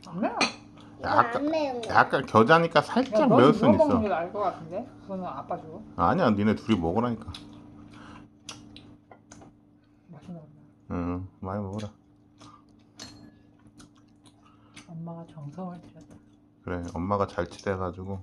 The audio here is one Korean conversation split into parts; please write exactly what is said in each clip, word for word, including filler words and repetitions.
안 매워. 이거 약간- 안 매운 거. 약간 겨자니까 야, 살짝 넌 매울 이거 수는 먹는 있어. 게 나을 것 같은데? 그거는 아빠 주고. 아니야, 니네 둘이 먹으라니까. 맛있나 보다. 응, 많이 먹어라. 엄마가 정성을 들였다. 그래, 엄마가 잘 치대가지고.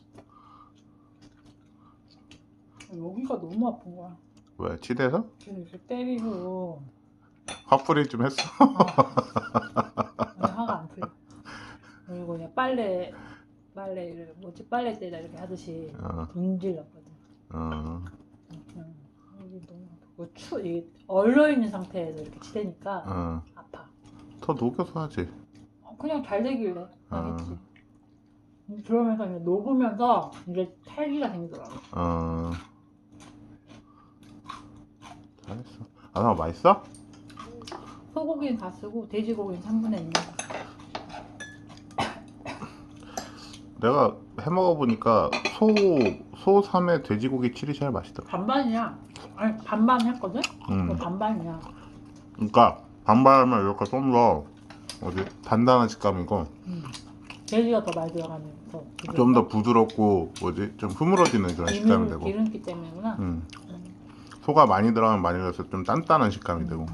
여기가 너무 아픈 거야. 왜, 치대서? 그래서 이렇게 때리고 화풀이 좀 했어? 아니, 화가 안 풀려. 그리고 그냥 빨래 빨래를 뭐지 빨래대다 이렇게 하듯이 어, 문질렀거든. 어, 응. 여기 너무 아프고 추 이게 얼려 있는 상태에서 이렇게 치대니까 어. 아파. 더 녹여서 하지. 어, 그냥 잘 되길래 어. 하겠지. 그러면서 이제 녹으면서 이제 탈기가 생기더라고. 어. 잘했어. 아, 나 맛있어? 소고기는 다 쓰고 돼지고기는 삼분의 일. 내가 해 먹어보니까 소, 소 삼 회 돼지고기 칠이 제일 맛있더라. 반반이야. 아니 반반 했거든? 음. 이거 반반이야. 그러니까 반반하면 이렇게 좀 더 어디 단단한 식감이고 음. 돼지가 더 많이 들어가는 더 좀 더 부드럽고 뭐지 좀 흐물어지는 그런 식감이 기름, 되고. 기름기 때문이구나. 음. 음. 소가 많이 들어가면 많이 들어서 좀 단단한 식감이 되고.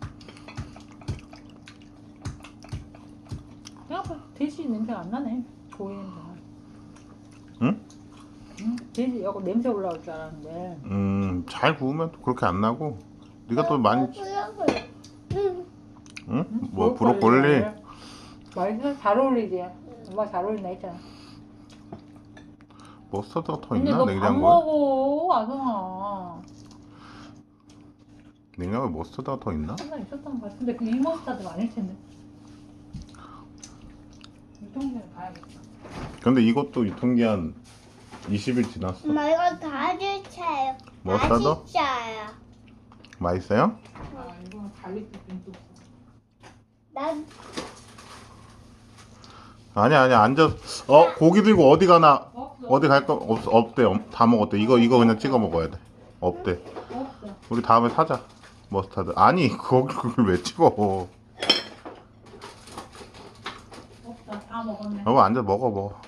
생각보다 돼지 냄새가 안 나네. 고기 냄새가. 응? 응? 돼지 여기 냄새 올라올 줄 알았는데. 음, 잘 구우면 또 그렇게 안 나고. 네가 또 많이 브로콜리. 응. 응? 뭐 브로콜리? 맛있어? 잘 어울리지? 엄마 잘 어울린다 했잖아. 머스터드가 더 근데 있나? 너 밥 냉장고에? 먹어 아성아. 냉장고에 머스터드가 더 있나? 항상 있었던 것 같은데 그 이모스타드가 아닐 텐데. 유통기한 봐야겠다. 근데 이것도 유통기한 이십 일 지났어. 엄마 이거 다 주세요. 머스타드? 맛있어요. 맛있어요? 아 이거는 갈릭 빈도 없어. 난 아니야 아니야 앉아. 어 고기 들고 어디 가나? 없어. 어디 갈 거 없 없대. 없- 다 먹었대. 이거 이거 그냥 찍어 먹어야 돼. 없대. 없어. 우리 다음에 사자. 머스타드. 아니 거기 그걸 왜 찍어? 없어. 다 먹었네. 여보 앉아 먹어 먹어.